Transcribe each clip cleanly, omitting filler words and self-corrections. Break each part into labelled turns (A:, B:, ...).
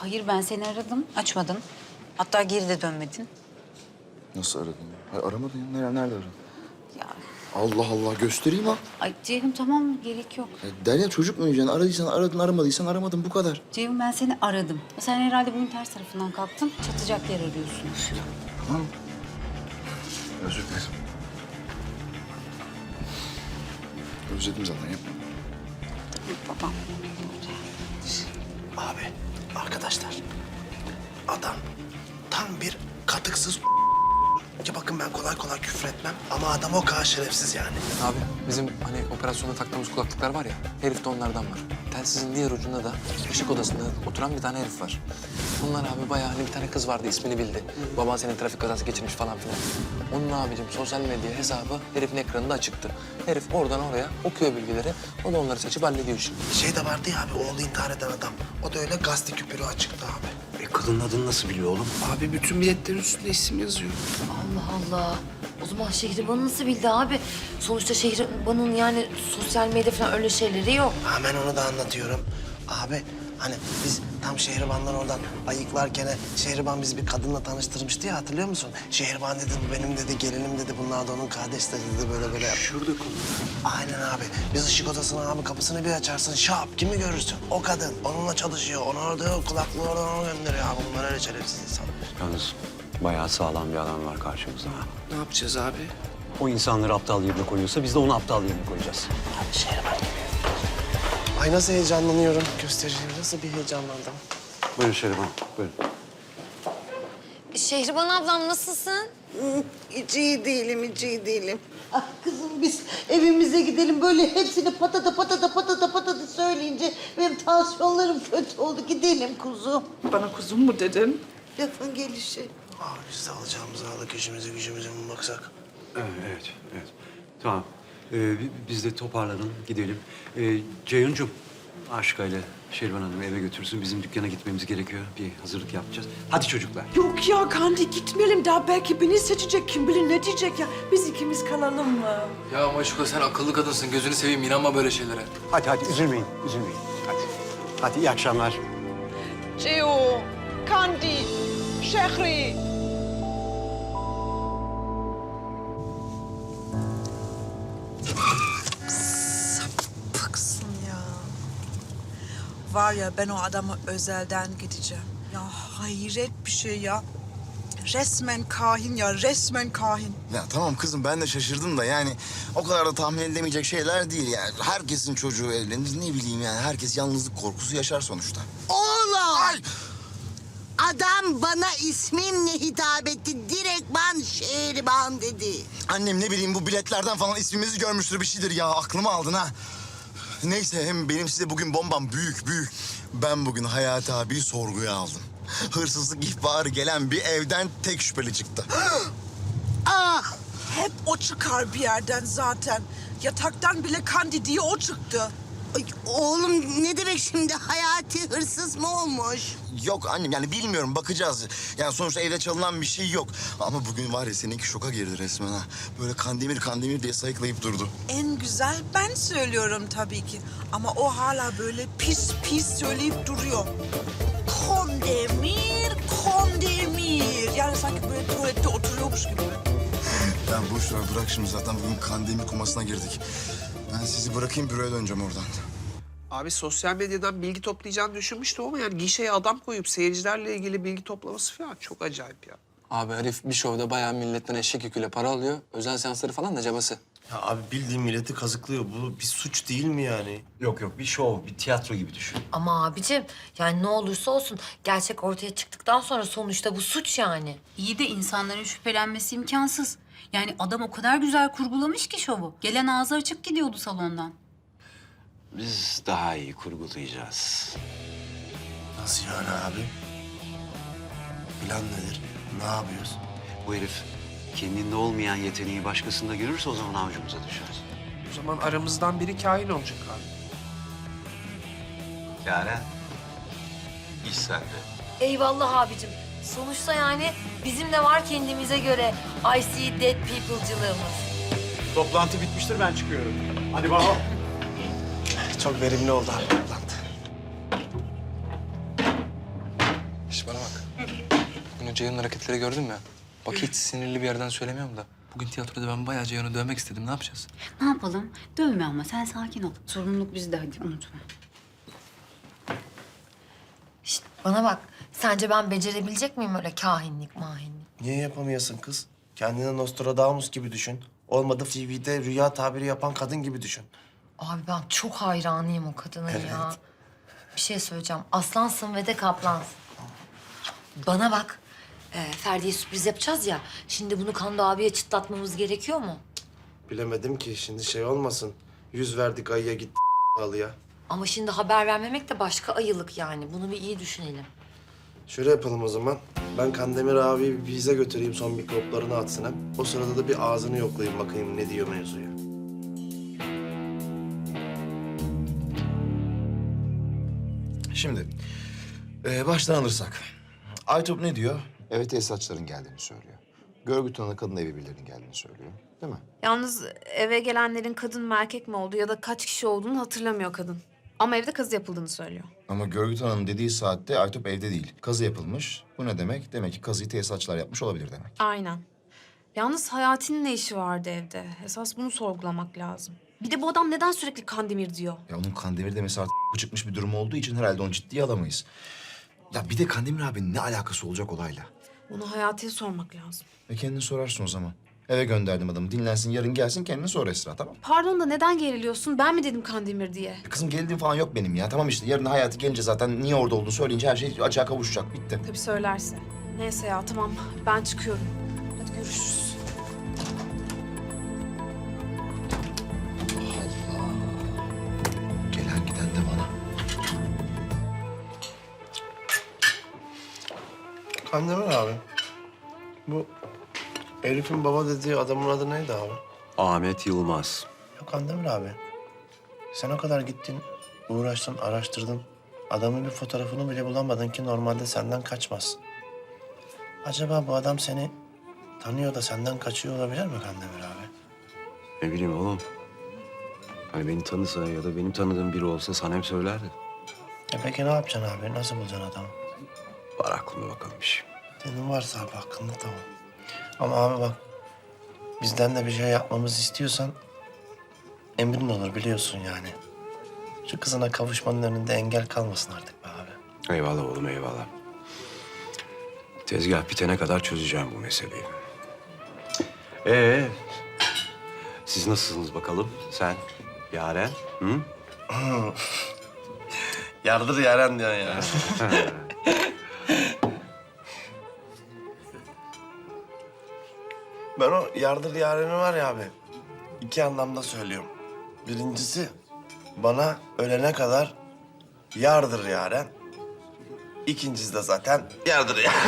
A: Hayır, ben seni aradım. Açmadın. Hatta geri de dönmedin.
B: Nasıl aradın ya? Hayır, aramadın ya. Nerede aradın?
A: Ya,
B: Allah Allah, göstereyim ha.
A: ay Ceyhun tamam, gerek yok.
B: Ya Derya, çocuk mu oynayacaksın? Aradıysan aradın, aramadıysan aramadın, bu kadar.
A: Ceyhun, ben seni aradım. Sen herhalde bunun ters tarafından kalktın. Çatacak yer arıyorsun.
B: Tamam. Özür dilerim. Özledim zaten, yapma.
A: Babam.
C: Abi, arkadaşlar. Adam tam bir katıksız ki bakın ben kolay kolay küfür etmem ama adam o kadar şerefsiz yani.
D: Abi bizim hani operasyonda taktığımız kulaklıklar var ya, herifte onlardan var. Telsizin diğer ucunda da ışık odasında oturan bir tane herif var. Bunlar abi bayağı hani bir tane kız vardı, ismini bildi. Baban senin trafik kazası geçirmiş falan filan. Onun abicim sosyal medya hesabı herifin ekranında açıktı. Herif oradan oraya okuyor bilgileri, o da onları seçip hallediyor şimdi.
C: Şey de vardı ya abi, oğlu intihar eden adam. O da öyle gazete küpürü açıktı abi.
E: Kadının adını nasıl biliyor oğlum?
C: Abi bütün biletlerin üstünde isim yazıyor.
F: Allah Allah. O zaman Şehriban'ı nasıl bildi abi? Sonuçta Şehriban'ın yani sosyal medya falan öyle şeyleri yok.
C: Hemen onu da anlatıyorum. Abi hani biz tam Şehriban'dan oradan ayıklarken Şehriban bizi bir kadınla tanıştırmıştı ya, hatırlıyor musun? Şehriban dedi, bu benim dedi, gelinim dedi, bunlar da onun kardeşleri dedi, böyle.
E: Şurada konu.
C: Aynen abi. Biz ışık odasına abi kapısını bir açarsın, şap kimi görürsün? O kadın. Onunla çalışıyor. Onu orada kulaklığı oradan ona gönderiyor abi. Bunlar öyle şerefsiz insanlar.
E: Yalnız bayağı sağlam bir adam var karşımızda.
C: Ne yapacağız abi?
E: O insanları aptal yerine koyuyorsa biz de onu aptal yerine koyacağız.
C: Abi Şehriban gibi. Ay nasıl heyecanlanıyorum. Göstereceğim. Nasıl bir heyecanlandım.
E: Buyurun Şeriban, buyurun.
F: Şehriban ablam nasılsın?
G: Hiç iyi değilim, hiç iyi değilim. Ah kızım, biz evimize gidelim, böyle hepsini patata söyleyince benim tansiyonlarım kötü oldu. Gidelim kuzum.
H: Bana kuzum mu dedin?
G: Lafın gelişi.
C: Abi biz de alacağımızı aldık. İşimize gücümüze mi baksak?
E: Evet. Tamam. Biz de toparlanın, gidelim. Ceyhuncuğum, Aşka ile Şeriban Hanım'ı eve götürsün. Bizim dükkana gitmemiz gerekiyor. Bir hazırlık yapacağız. Hadi çocuklar.
H: Yok ya Kandi, gitmeyelim. Daha belki beni seçecek, kim bilir ne diyecek ya. Biz ikimiz kalalım mı?
D: Ya Maşuka sen akıllı kadınsın, gözünü seveyim, inanma böyle şeylere.
E: Hadi üzülmeyin. Hadi iyi akşamlar.
H: Ceo, Kandi, Şehri.
G: Sapıksın ya. Var ya, ben o adama özelden gideceğim. Ya hayret bir şey ya. Resmen kahin ya, resmen kahin.
B: Ya tamam kızım, ben de şaşırdım da yani o kadar da tahmin edilemeyecek şeyler değil yani. Herkesin çocuğu evlenir, ne bileyim yani, herkes yalnızlık korkusu yaşar sonuçta.
G: Oğlum!
B: Ay!
G: Adam bana ismimle hitap etti. Direktman Şehriban dedi.
B: Annem ne bileyim bu biletlerden falan ismimizi görmüştür, bir şeydir ya, aklımı aldın ha. Neyse, hem benim size bugün bombam büyük. Ben bugün Hayati abiyi sorguya aldım. Hırsızlık ihbarı gelen bir evden tek şüpheli çıktı.
G: Ah! Hep o çıkar bir yerden zaten. Yataktan bile Kandi diye o çıktı. Ay, oğlum ne demek şimdi? Hayati hırsız mı olmuş?
B: Yok annem, yani bilmiyorum, bakacağız. Yani sonuçta evde çalınan bir şey yok. Ama bugün var ya, seninki şoka girdi resmen ha. Böyle Kandemir diye sayıklayıp durdu.
G: En güzel ben söylüyorum tabii ki. Ama o hala böyle pis söyleyip duruyor. Kandemir. Yani sanki böyle tuvalette oturuyormuş gibi.
B: Ya boş ver, bırak şimdi, zaten bugün Kandemir komasına girdik. Ben sizi bırakayım, büroya döneceğim oradan.
I: Abi sosyal medyadan bilgi toplayacağını düşünmüştüm ama yani gişeye adam koyup seyircilerle ilgili bilgi toplaması falan çok acayip ya.
D: Abi herif bir şovda bayağı milletten eşek yüküyle para alıyor. Özel seansları falan da cabası.
J: Ya abi bildiğin milleti kazıklıyor. Bu bir suç değil mi yani?
E: Yok bir şov, bir tiyatro gibi düşün.
F: Ama abicim yani ne olursa olsun gerçek ortaya çıktıktan sonra sonuçta bu suç yani.
A: İyi de insanların şüphelenmesi imkansız. Yani adam o kadar güzel kurgulamış ki şovu. Gelen ağzı açık gidiyordu salondan.
E: Biz daha iyi kurgulayacağız.
J: Nasıl yani abi? Plan nedir? Ne yapıyoruz?
E: Bu herif kendinde olmayan yeteneği başkasında görürse o zaman avucumuza düşer.
I: O zaman aramızdan biri kahin olacak abi.
E: Yaren, iş sende.
F: Eyvallah abicim. Sonuçta yani bizim de var kendimize göre I see dead people'cılığımız.
E: Toplantı bitmiştir, ben çıkıyorum. Hadi Baho.
C: Çok verimli oldu abi toplantı.
D: Şş, bana bak. Bugün Ceyhun'un hareketleri gördün mü? Bak hiç sinirli bir yerden söylemiyorum da. Bugün tiyatroda ben bayağı Ceyhun'u dövmek istedim. Ne yapacağız?
A: Ne yapalım? Dövme ama sen sakin ol. Sorumluluk bizde, hadi unutma.
F: Şişt, bana bak. Sence ben becerebilecek miyim öyle kahinlik mahinlik?
C: Niye yapamayasın kız? Kendini Nostradamus gibi düşün. Olmadı TV'de rüya tabiri yapan kadın gibi düşün.
F: Abi ben çok hayranıyım o kadına ya. Bir şey söyleyeceğim. Aslansın ve de kaplansın. Bana bak. Ferdi'ye sürpriz yapacağız ya. Şimdi bunu Kando abiye çıtlatmamız gerekiyor mu?
C: Bilemedim ki şimdi şey olmasın. 100 verdik ayıya gitti halıya.
F: Ama şimdi haber vermemek de başka ayılık yani. Bunu bir iyi düşünelim.
C: Şöyle yapalım o zaman. Ben Kandemir abiyi bir bize götüreyim, son mikroplarını atsın hem. O sırada da bir ağzını yoklayayım bakayım ne diyor mevzuya.
K: Şimdi baştan alırsak. Aytop ne diyor? Eve tesisatçıların geldiğini söylüyor. Görgü tanığı kadın evi birilerinin geldiğini söylüyor. Değil mi?
L: Yalnız eve gelenlerin kadın mı erkek mi olduğu ya da kaç kişi olduğunu hatırlamıyor kadın. Ama evde kazı yapıldığını söylüyor.
K: Ama görgü tanığının dediği saatte Aytop evde değil. Kazı yapılmış. Bu ne demek? Demek ki kazıyı tesisatçılar yapmış olabilir demek.
L: Aynen. Yalnız Hayati'nin ne işi vardı evde? Esas bunu sorgulamak lazım. Bir de bu adam neden sürekli Kandemir diyor?
K: Ya onun Kandemir demesi artık çıkmış bir durum olduğu için herhalde onu ciddiye alamayız. Ya bir de Kandemir abinin ne alakası olacak olayla?
L: Onu Hayati'ye sormak lazım.
K: Kendini sorarsın o zaman. Eve gönderdim adamı. Dinlensin, yarın gelsin, kendini sor Esra, tamam?
L: Pardon da neden geriliyorsun? Ben mi dedim Kandemir diye?
K: Kızım gerildiğim falan yok benim ya. Tamam işte yarın Hayati gelince zaten niye orada olduğunu söyleyince her şey açığa kavuşacak. Bitti.
L: Tabii söylerse. Neyse ya tamam ben çıkıyorum. Hadi görüşürüz.
K: Gelen giden de bana.
C: Kandemir abi, bu Elif'in baba dediği adamın adı neydi abi?
E: Ahmet Yılmaz.
C: Yok Kandemir abi. Sen o kadar gittin, uğraştın, araştırdın. Adamın bir fotoğrafını bile bulamadın ki normalde senden kaçmaz. Acaba bu adam seni tanıyor da senden kaçıyor olabilir mi Kandemir abi?
E: Ne bileyim oğlum. Hani beni tanısa ya da benim tanıdığım biri olsa sana hep söylerdi.
C: Peki ne yapacaksın abi? Nasıl bulacaksın adamı?
E: Var aklımda bakalım bir şey.
C: Senin varsa abi hakkında tamam. Ama abi bak, bizden de bir şey yapmamızı istiyorsan emrin olur biliyorsun yani. Şu kızına kavuşmanın önünde engel kalmasın artık be abi.
E: Eyvallah oğlum eyvallah. Tezgah bitene kadar çözeceğim bu meseleyi. Siz nasılsınız bakalım? Sen, Yaren, hı?
C: Yardır Yaren diyorsun ya. Ben o yardır Yaren'i var ya abi, iki anlamda söylüyorum. Birincisi, bana ölene kadar yardır Yaren. İkincisi de zaten yardır ya.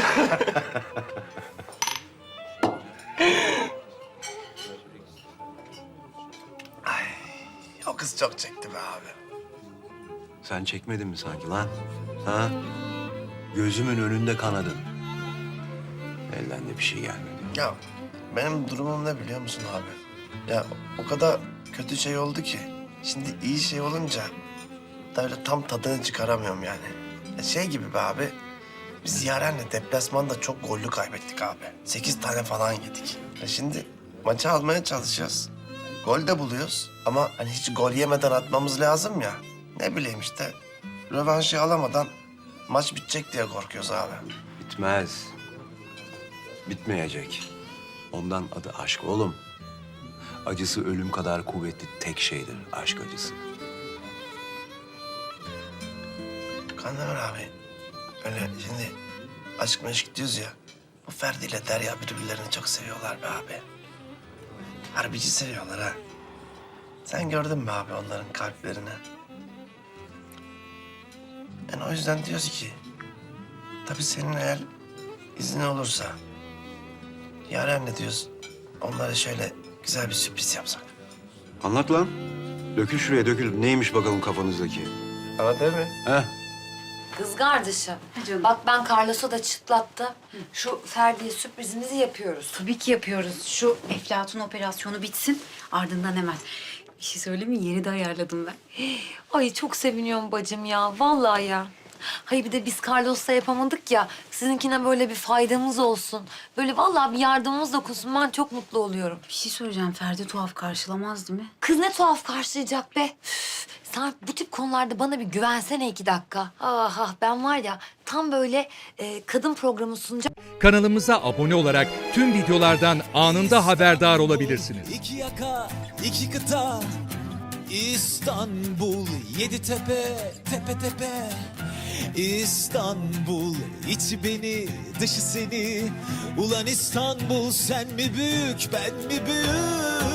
C: Ay, o kız çok çekti be abi.
E: Sen çekmedin mi sanki lan? Ha? Gözümün önünde kanadın. Elden de bir şey gelmedi.
C: Ya benim durumum ne biliyor musun abi? Ya o kadar kötü şey oldu ki. Şimdi iyi şey olunca da öyle tam tadını çıkaramıyorum yani. Ya şey gibi be abi. Biz Yaren'le deplasmanda çok gollü kaybettik abi. 8 tane falan yedik. Ya şimdi maçı almaya çalışıyoruz. Gol de buluyoruz ama hani hiç gol yemeden atmamız lazım ya. Ne bileyim işte. Rövanşı alamadan maç bitecek diye korkuyoruz abi.
E: Bitmez. Bitmeyecek. Ondan adı aşk oğlum. Acısı ölüm kadar kuvvetli tek şeydir aşk acısı.
C: Kandemir abi, öyle şimdi aşk meşk diyoruz ya. Bu Ferdi ile Derya birbirlerini çok seviyorlar be abi. Harbici seviyorlar ha. Sen gördün mü abi onların kalplerini? Yani o yüzden diyoruz ki... tabii senin eğer izin olursa... Yaren'le diyoruz, onlara şöyle güzel bir sürpriz yapsak.
E: Anlat lan. Dökül şuraya dökül. Neymiş bakalım kafanızdaki?
C: Ama değil mi?
E: Heh.
F: Kız kardeşim. Bak ben Carlos'a da çıtlattı. Şu Ferdi'ye sürprizimizi yapıyoruz.
A: Tabii ki yapıyoruz. Şu Eflatun operasyonu bitsin, ardından hemen. Bir şey söyleyeyim mi? Yeri de ayarladım ben.
F: Ay çok seviniyorum bacım ya. Vallahi ya. Hayır bir de biz Carlos'la yapamadık ya. Sizinkine böyle bir faydamız olsun. Böyle vallahi bir yardımımız dokunsun. Ben çok mutlu oluyorum.
A: Bir şey söyleyeceğim. Ferdi tuhaf karşılamaz değil mi?
F: Kız ne tuhaf karşılayacak be. Üf, sen bu tip konularda bana bir güvensene 2 dakika. Ah ben var ya tam böyle kadın programı sunacağım.
M: Kanalımıza abone olarak tüm videolardan anında haberdar olabilirsiniz.
N: İki yaka, iki kıta, İstanbul, 7 tepe, tepe tepe. İstanbul, içi beni, dışı seni. Ulan İstanbul, sen mi büyük, ben mi büyük?